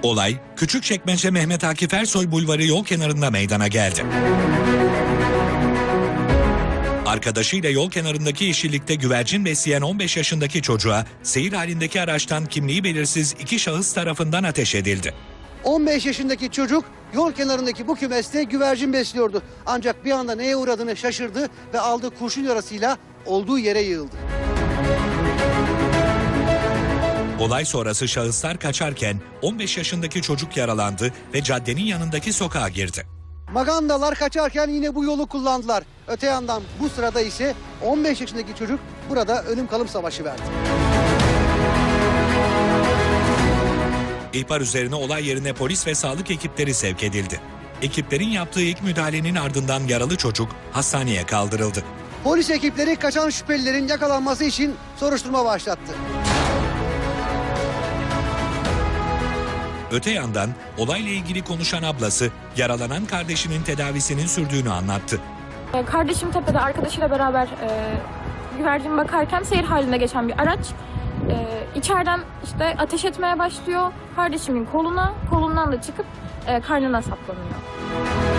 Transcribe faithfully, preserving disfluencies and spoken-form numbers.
Olay, Küçükçekmece Mehmet Akif Ersoy Bulvarı yol kenarında meydana geldi. Arkadaşıyla yol kenarındaki yeşillikte güvercin besleyen on beş yaşındaki çocuğa seyir halindeki araçtan kimliği belirsiz iki şahıs tarafından ateş edildi. on beş yaşındaki çocuk yol kenarındaki bu kümeste güvercin besliyordu. Ancak bir anda neye uğradığını şaşırdı ve aldığı kurşun yarasıyla olduğu yere yığıldı. Olay sonrası şahıslar kaçarken on beş yaşındaki çocuk yaralandı ve caddenin yanındaki sokağa girdi. Magandalar kaçarken yine bu yolu kullandılar. Öte yandan bu sırada ise on beş yaşındaki çocuk burada ölüm kalım savaşı verdi. İhbar üzerine olay yerine polis ve sağlık ekipleri sevk edildi. Ekiplerin yaptığı ilk müdahalenin ardından yaralı çocuk hastaneye kaldırıldı. Polis ekipleri kaçan şüphelilerin yakalanması için soruşturma başlattı. Öte yandan olayla ilgili konuşan ablası yaralanan kardeşinin tedavisinin sürdüğünü anlattı. Kardeşim tepede arkadaşıyla beraber e, güvercin bakarken seyir halinde geçen bir araç e, içeriden işte ateş etmeye başlıyor. Kardeşimin koluna, kolundan da çıkıp e, karnına saplanıyor.